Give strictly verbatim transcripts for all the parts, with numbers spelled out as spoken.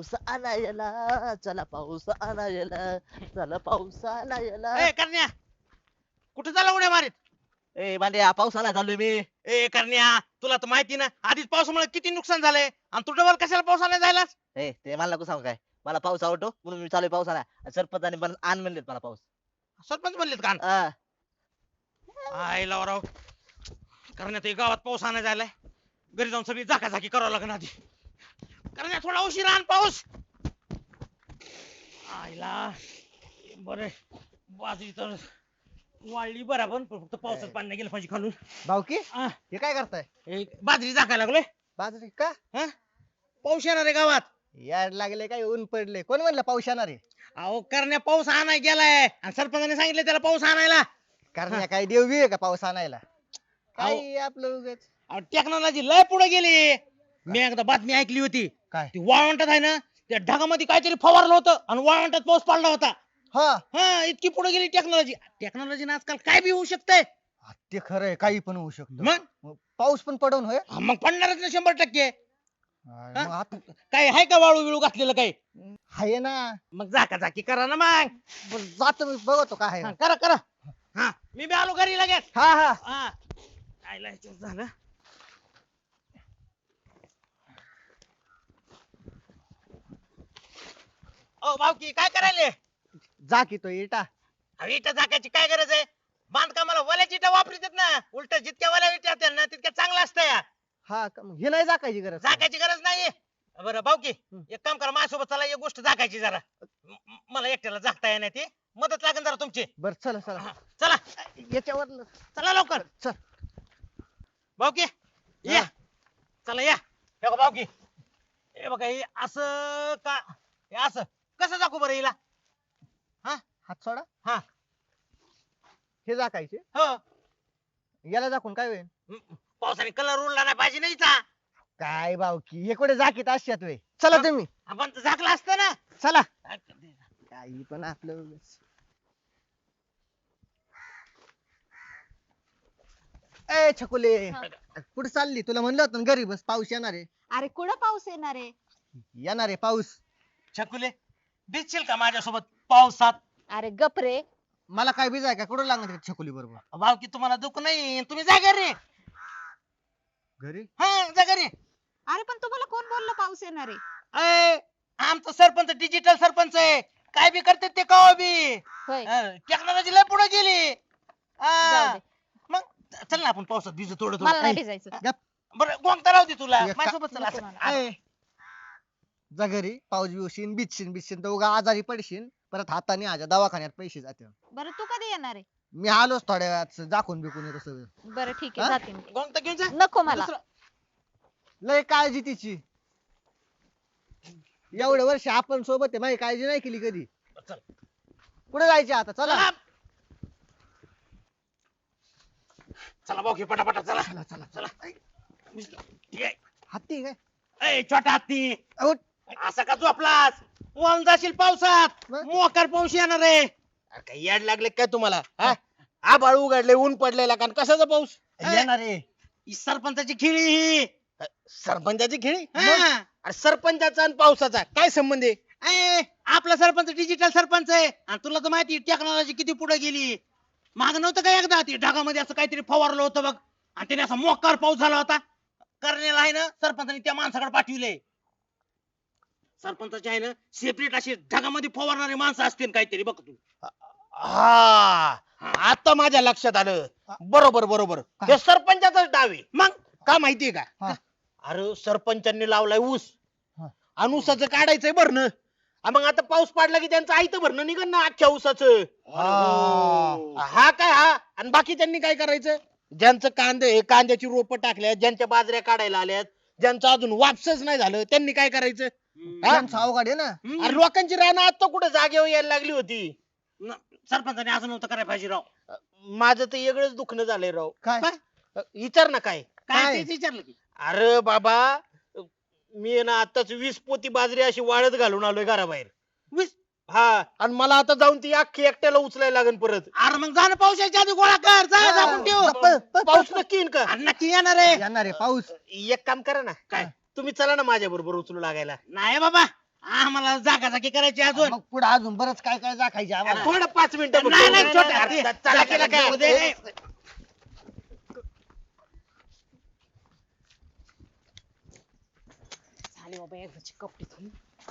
पाऊस आणायला, चला पाऊस आणायला, चला पाऊस आणायला. ए करण्या कुठे झाला उड्या मारीत? ए बांड्या पाऊस आणायला चाललोय मी. ए करण्या तुला तर माहिती ना आधीच पावसामुळे किती नुकसान झालंय आणि तू डबल कशाला पावसाने जायला? ए ते मला नको सांगू काय, मला पाऊस आवडतो म्हणून मी चालू पाऊस आणा. सरपंचाने पण आण म्हणलेत मला पाऊस. सरपंच म्हणलेत का? हा. आय लावराव करण्यात गावात पाऊस आणायला जायलाय. घरी जाऊन सगळी झाकाझाकी करावं लागणार आधी. करण्या थोडा उशीर आण पाऊस. आईला बरे बाजरी तर वाळली बराबर पण फक्त पावसात पाणी नाही गेलं पाहिजे खालून. भाऊकी आ, हे काय करताय? हे बाजरी झाकायला लागलोय. बाजरी का हा पाऊस येणार आहे गावात. याड लागले काय ऊन पडले कोण म्हणलं पाऊस येणार आहे? अहो करण्या पाऊस आणाय गेलाय आणि सरपंचाने सांगितलं त्याला पाऊस आणायला. करण्या काय देवगी आहे का पाऊस आणायला? काय आपलं उगाच टेक्नॉलॉजी लय पुढे गेली. मी एकदा बातमी ऐकली होती. काय? ती वाळवंटात आहे ना त्या ढगामध्ये काहीतरी फवारलं होतं आणि वाळवंटात पाऊस पडला होता. हा हा इतकी पुढे गेली टेक्नॉलॉजी. टेक्नॉलॉजी आजकाल काय बी होऊ शकतंय. हा, ते खरं आहे काही पण होऊ शकतं. मग मग पाऊस पण पडून होय. हा, मग पडणारच ना शंभर टक्के. हा, मग आता काय आहे का वाळू विळू घातलेलं काही? आहे ना. मग झाका झाकी करा ना मग. बरं, जातो मी बघतो काय आहे. हा, करा करा. हा मी बी आलो घरी लगेच. हा हा हा आयला ह्याच्यात झालं. ओ भाऊकी काय करायले? जा की तो इटा. अहो, इटा झाकायची काय गरज आहे? बांधकामाला वल्याची इटा वापरतात ना. उलट जितक्या वल्या इटा असतात ना तितक्या चांगलं असतं या. हा का? मग हे नाही जाकायची गरज. झाकायची गरज नाहीये. बरं भाऊकी एक काम करा माझ्यासोबत चला एक गोष्ट झाकायची जरा. म- म- मला एकट्याला झाकता येणार ती मदत लागेल जरा तुमची. बर चला चला हा, चला याच्यावर चला लवकर. चल. भाऊकी या हा. चला या. हे बघा भाऊकी हे बघा हे असं का हे असं कसं दाखवू बरं हिला? हा हात सोडा. हा हे जाकायचे हो याला दाखवून काय होईल? म- पावसाने कलर उडला नाही पाहिजे नाही हिचा. काय भाऊकी हे कुठे जाकीत असतात वे. चला तुम्ही आपण तर झाकलं असतं ना. चला. काही पण आपलं उगाच. ए छकुले हा. कुठे चालली? तुला म्हणलं होतं ना घरी बस पाऊस येणार आहे. अरे कुठं पाऊस येणार आहे? येणार आहे पाऊस. छकुले भिजशील का माझ्यासोबत पावसात? अरे गप रे. मला काय बिजाय का कुठं लागणार आहे छकुली बरोबर? भाऊकी तुम्हाला दुःख नाही तुम्ही जा घरी. घरी हा जा घरी. अरे पण तुम्हाला कोण बोललं पाऊस येणार आहे? अय, आमचं सरपंच डिजिटल सरपंच आहे. काय बी करते ते कवा बी. होय टेक्नॉलॉजी लय पुढे गेली. जाऊ हा. दे. मग चल ना आपण पावसात भिजू थोडं मला थोडं. नाही भिजायचं. गप. बरं गोंगता राहू दे तुला एक का- माझ्यासोबत चला. नको मला. ए, जा घरी पाऊस बिवशीन बिचशीन बिचशीन तर उगा आजारी पडशीन परत हाताने आजा दवाखान्यात पैसे जाते. बरं तू कधी येणार आहे? मी आलोच थोड्या वेळात दाखवून बिकून येतो सगळं. बरं ठीक हा? आहे जाते मी. गोंगता घेऊन जा. नको मला. दुसरं- लय काळजी तिची. एवढे वर्ष आपण सोबत आहे माझी काळजी नाही केली कधी. चल. कुठे जायचे आता? चला चला चला भाऊ पटापटा चला चला चला चला. ठीक आहे. हत्ती काय? ए छोटा हत्ती अहो, असा का झोपलास? वाहून जाशील पावसात. मग? मोकार पाऊस येणार आहे. अरे काय याड लागले काय तुम्हाला? हा? आभाळ उघडले ऊन पडलेला कारण कशाचा पाऊस? येणार आहे. ही सरपंचाची खेळी ही. सरपंचाची खेळी हा. अरे सरपंचाचा आणि पावसाचा काय संबंध आहे? ए, आपला सरपंच डिजिटल सरपंच आहे आणि तुला तर माहिती टेक्नॉलॉजी किती पुढे गेली. माग नव्हतं का एकदा ती ढगामध्ये असं काहीतरी फवारलं होतं बघ आणि त्याने असा मोकार पाऊस झाला होता. करण्याला आहे ना सरपंचाने त्या माणसाकडे पाठविले. सरपंचाचे आहे ना सेपरेट अशी ढगामध्ये फवारणारी माणसं असतील काहीतरी बघ तू. हा आता माझ्या लक्षात आलं. बरोबर बरोबर हे सरपंचाचाच डाव आहे. मग का माहितीये का? हा. अरे सरपंचांनी लावलाय ऊस हा. आणि ऊसाचं काढायचंय भरणं. आ मग आता पाऊस पडला की त्यांचं आयतं भरणं निघण ना अख्ख्या ऊसाचं. हा. हा काय हा आणि बाकी त्यांनी काय करायचं? ज्यांचं कांदे कांद्याची रोपं टाकल्यात ज्यांच्या बाजऱ्या काढायला आल्यात ज्यांचं अजून वापसच नाही झालं त्यांनी काय करायचं? हा? त्यांचं अवघड आहे ना. हम्म. अरे लोकांची रानं आता कुठे जागेवर यायला लागली होती. न- सरपंचाने असं नव्हतं करायला पाहिजे राव. माझं तर वेगळंच दुखणं झालंय राव. काय? विचार ना काय. काय काय? तेच विचारलं की. अरे बाबा मी आहे ना आताच वीस पोती बाजरी अशी वाळत घालून आलोय घराबाहेर. वीस- हा आणि मला आता जाऊन ती अख्खी एकट्याला उचलायला लागेल परत. अरे मग जा ना पावसाच्या आधी गोळा कर जा हा. झाकून ठेव. प- प- पाऊस नक्की येईन का? अरे नक्की येणार आहे. येणार आहे पाऊस. एक काम करा ना काय? तुम्ही चला ना माझ्या बरोबर उचलू लागायला. नाही बाबा आम्हाला जागाजागी करायची अजून मग पुढे अजून बरंच काय काय दाखायचे आम्हाला. थोडं पाच मिनिटं नाही, नाही, बघ. छोट्या, अरे, ते- चला, जागेला चला, काय जाऊ दे. होते? झाली बाबा एकदाची कपडे धुवून.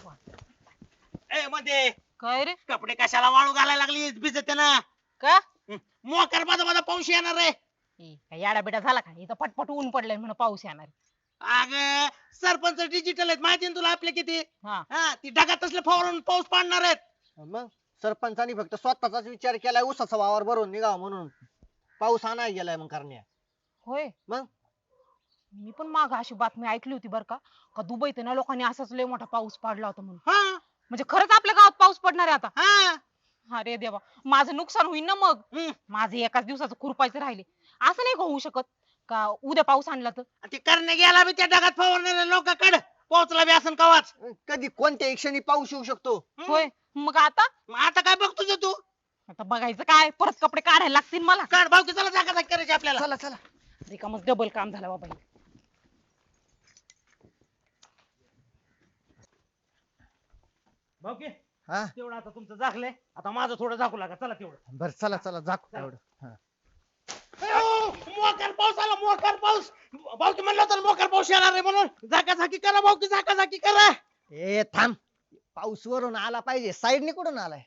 ए मध्ये काय रे कपडे कशाला वाळू घालायला लागली भिजते ना का मोकर माझा माझा पाऊस येणार आहे. ए, काय याडा बिडा झाला का इथं पटपट ऊन पडलंय म्हणून पाऊस येणार अग सरपंच डिजिटल आहेत माहिती ना तुला आपले किती हा हा ती ढगात असले फवारून पाऊस पाडणार आहेत. मग सरपंचानी फक्त स्वतःचाच विचार केलाय उसाचा वावर भरून निघावा म्हणून पाऊस आणाय गेलाय मग करण्या. होय मग मी पण माग अशी बातमी ऐकली होती बर का का दुबईत ना लोकांनी असाच लय मोठा पाऊस पडला होता म्हणून हा म्हणजे खरंच आपल्या गावात पाऊस पडणार आहे आता हा अरे देवा माझं नुकसान होईल ना मग हम्म. माझे एकाच दिवसाचं खुरपायचं राहिले असं नाही का होऊ शकत का उद्या पाऊस आणला तर ते करणे गेला बी त्या ढगात फवारणाऱ्या लोकांकडे पोहोचला बी असं कवाच. कधी कोणत्या क्षणी पाऊस येऊ शकतो. होय मग आता मग आता काय बघ तुझं तू आता बघायचं काय परत कपडे काढायला लागतील मला काढ भाऊ की चला जागा जागी करायची आपल्याला. चला चला रिकामच डबल काम झालं बाबा हे. भाऊ की हा तेवढं आता तुमचं झाकलंय आता माझं थोडं झाकू लागा चला तेवढं. बर चला चला जाऊ एवढं हा. अयो, मोकार पाऊस आला मोकार पाऊस भाऊ की म्हणलं होतं ना, मोकार पाऊस येणार आहे म्हणून जागा झाकी करा भाऊ की जागा झाकी करा. ए थांब पाऊस वरून आला पाहिजे साईडने कुठून आलाय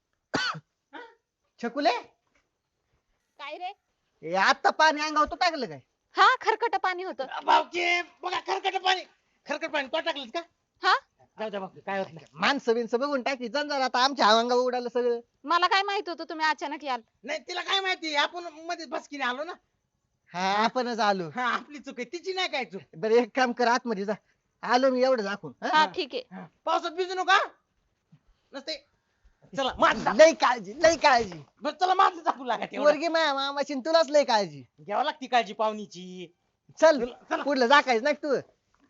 छकुले काय रे ए आता पाणी अंगावर टाकलं काय. हा खरकट पाणी होतं भाऊ की बघा खरकट पाणी खरकट पाणी तो टाकलं का हा जाऊ द्या भाऊ की, काय होत नाही. माणसं बिनसं बघून टाकी जरा आता आमच्या अंगावर उडालं सगळं. मला काय माहित होतं तुम्ही अचानक याल नाही तिला काय माहिती आपण मध्ये बसकीने आलो ना. हा आपणच आलो. हा आपली चूक आहे तिची नाही काय चूक. बरं एक काम कर आतमध्ये जा आलो मी एवढं दाखवून हा? हा ठीक आहे हा, पावसात भिजू नका नसते. चला माझं लय काळजी लय काळजी बरं चला माझं झाकू लागा तेवढं. वर्गी माया मामाची न तुलाच लय काळजी. घ्यावं लागती काळजी पाहुणीची. चल चला. पुढलं जाकायच ना तू.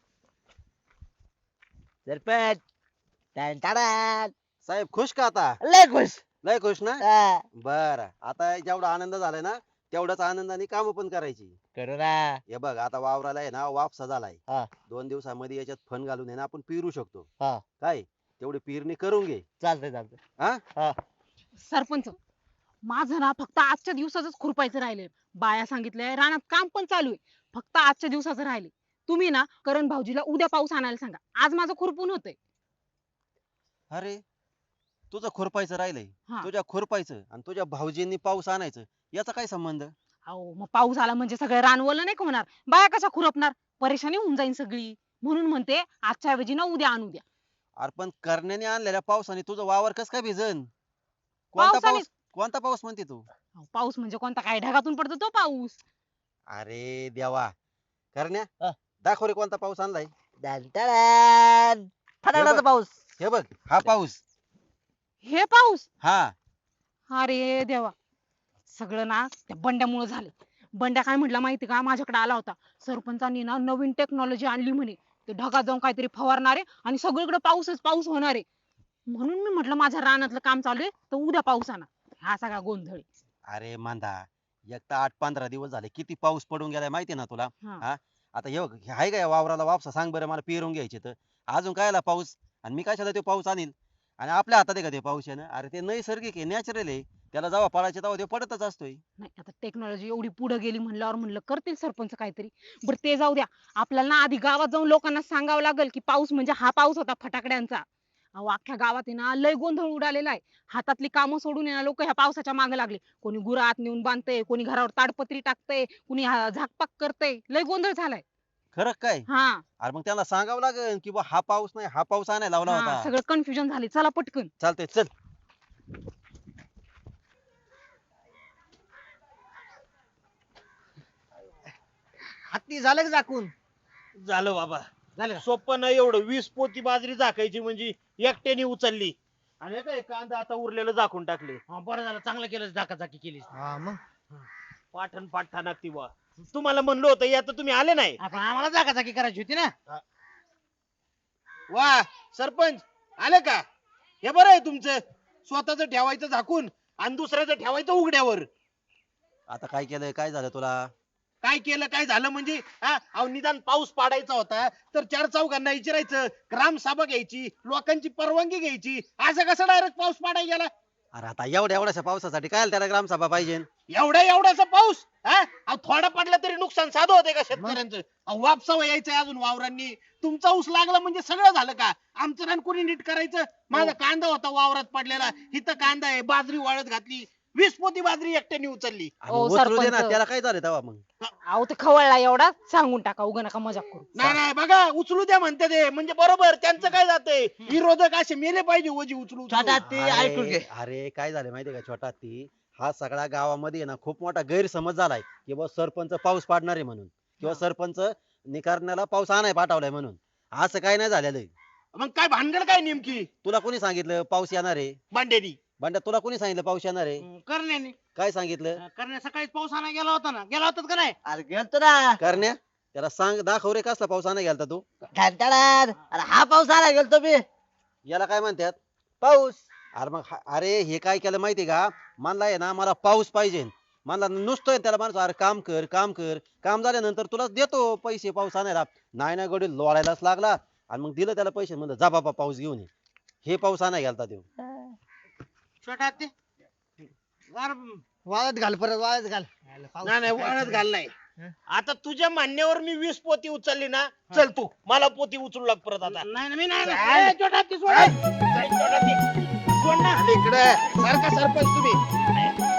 सरपंच टन टडान. साहेब खुश का आता लय खुश लय खुश ना हा, बर आता जेवढा आनंद झालाय ना तेवढाच आनंदाने काम पण करायची. करू ना हे बघ आता वावराला आहे ना वापसा झालाय हा. दोन दिवसामध्ये याच्यात फन घालून आहे ना आपण पेरू शकतो. हा. काय तेवढी पेरणी करून घे. चालतंय चालतंय हा सरपंच माझं ना फक्त आजच्या दिवसाच खुरपायचं राहिले बाया सांगितलंय रानात काम पण चालू आहे फक्त आजच्या दिवसाचं राहिले तुम्ही ना करण भाऊजीला उद्या पाऊस आणायला सांगा आज माझं खुरपून होतंय अरे तुझं खुरपायचं राहिलंय हा. तुझ्या खुरपायचं आणि तुझ्या भाऊजींनी पाऊस आणायचं याचा काय संबंध. अहो मग पाऊस आला म्हणजे सगळे रानवलं नाही का होणार बाया कशा खुरपणार परेशानी होऊन जाईल सगळी म्हणून म्हणते आजच्या ऐवजी ना उद्या आणू द्या अरे पण करण्याने आणलेल्या पावसाने तुझं वावर कस काय भिजन. कोणता पावसाने- पाऊस कोणता पाऊस म्हणते तू. अहो, पाऊस म्हणजे कोणता काय ढगातून पडतो तो पाऊस अरे देवा करण्या हा. दाखव रे कोणता पाऊस आणलाय. टन टडान. फटाकडाचा बघ. पाऊस. हे बघ हा पाऊस. हे पाऊस हा अरे देवा सगळं ना त्या बंड्यामुळे झालं बंड्या काय म्हटला माहिती का माझ्याकडे आला होता सरपंचांनी ना नवीन टेक्नॉलॉजी आणली म्हणे ते ढगात जाऊन काहीतरी फवारणारे आणि सगळीकडे पाऊसच पाऊस होणार आहे म्हणून मी म्हटलं माझ्या रानातलं काम चालू आहे तर उद्या पाऊस आणा हा सगळा गोंधळ आहे. अरे मांदा एक तर आठ पंधरा दिवस झाले किती पाऊस पडून गेलाय माहितीये ना तुला. हा. हा आता हे बघ, हे आहे का या वावराला वापसा सांग बरं मला पेरून घ्यायचे तर अजून कायला पाऊस आणि मी कशाला तो पाऊस आणील आणि आपल्या हातात आहे का ते पाऊस आहे ना. अरे ते नैसर्गिक आहे नॅचरल आहे त्याला जेव्हा पडायचे तेव्हा ते पडतच असतोय. नाही आता टेक्नॉलॉजी एवढी पुढे गेली म्हणल्यावर म्हणलं करतील सरपंच काहीतरी बरं ते जाऊ द्या आपल्याला ना आधी गावात जाऊन लोकांना सांगावं लागेल की पाऊस म्हणजे हा पाऊस होता फटाकड्यांचा अहो अख्ख्या गावात आहे ना लय गोंधळ उडालेला आहे हातातली कामं सोडून आहे ना लोक ह्या पावसाच्या मागे लागले कोणी गुरं आत नेऊन बांधतंय कोणी घरावर ताडपत्री टाकतंय कोणी हा- झाकपाक करतंय लय गोंधळ झालाय खरं काय. हा अरे मग त्याला सांगावं लागेल की बा हा पाऊस नाही हा पाऊस आणायला लावला हा, होता. सगळं कन्फ्युजन झाले चला पटकन चालतंय चल. हत्ती झालं का झाकून. झालं बाबा झालं सोपं नाही एवढं वीस पोती बाजरी झाकायची म्हणजे एकट्याने उचलली आणि हे काय कांदा आता उरलेलं झाकून टाकले. हा, बरं झालं चांगलं केलं झाकाझाकी केली. हा मग पाठण पाठा लागती बा. तुम्हाला म्हणलं होतं या तर तुम्ही आले नाही. आपण आम्हाला जागाजागी करायची होती ना. वा सरपंच आले का. हे बरं आहे तुमचं स्वतःच ठेवायचं झाकून आणि दुसऱ्याचं ठेवायचं उघड्यावर. आता काय केलंय काय झालं तुला. काय केलं काय झालं म्हणजे हा अहो निदान पाऊस पाडायचा होता तर चार चौघांना विचारायचं ग्रामसभा घ्यायची लोकांची परवानगी घ्यायची असं कसं डायरेक्ट पाऊस पाडायला गेला अरे आता एवढ्या एवढ्याशा पावसासाठी काय त्याला ग्रामसभा पाहिजे एवढ्या एवढासा पाऊस हा अहो थोडा पडला तरी नुकसान साधं होते का शेतकऱ्यांचं अहो वापसावं यायचंय अजून वावरांनी तुमचा ऊस लागला म्हणजे सगळं झालं का आमचं रान कोणी नीट करायचं माझा कांदा होता वावरात पडलेला इथं कांदा आहे बाजरी वाळत घातली वीस पोती बाजरी एकट्याने उचलली आणि ओ, उचलू दे ना सरपंच. त्याला काय झालं तेव्हा मग अहो ते खवळला एवढा सांगून टाका उगा नका मजाक करू नाही नाही बघा उचलू द्या म्हणते ते म्हणजे बरोबर त्यांचं काय जातंय विरोधक असे मेले पाहिजे ओजी उचलू उचलू. छोटा ते ऐकून घे अरे अरे, काय झालं माहितीये का छोटा ती हा सगळ्या गावामध्ये ना खूप मोठा गैरसमज झालाय की बा सरपंच पाऊस पाडणार आहे म्हणून किंवा सरपंच निकारण्याला पाऊस आणाय पाठवलाय म्हणून असं काय नाही झालेलं आहे. मग काय भानगड काय नेमकी तुला कोणी सांगितलं पाऊस येणार आहे बांडेनी बंड्या तुला कोणी सांगितलं पाऊस येणार आहे करण्याने काय सांगितलं करण्या सकाळीच पाऊस आणायला गेला होता ना गेला होता का नाही अरे गेलतो ना करण्या त्याला सांग दाखव रे कसला पाऊस आणाय गेलता तू घंटाळात अरे हा पाऊस आला गेलतो मी याला काय म्हणतात पाऊस अरे मग हा- अरे हे काय केलं माहितीये का म्हणला आहे ना मला पाऊस पाहिजे म्हणला नुसतोय त्याला माणूस अरे काम कर काम कर काम झाल्यानंतर तुला देतो पैसे पाऊस आणायला नाही ना गडी लोळायलाच लागला आणि मग दिलं त्याला पैसे म्हणलं जा बाबा पाऊस घेऊन ये हे पाऊस आणाय गेलता तो छोटा ते गार- वाळत घाल परत वाळत घाल पाऊस नाही नाही काय वाळत खरं. घाल नाही आता तुझ्या म्हणण्यावर मी वीस पोती उचलली ना चल तू मला पोती उचलू लाग परत आता नाही नाही, मी नाही चाल. नाही. ए, छोटा ते सोड. चल, चल, छोटा ती. सोड ना. इकडे सारखा सरपंच तुम्ही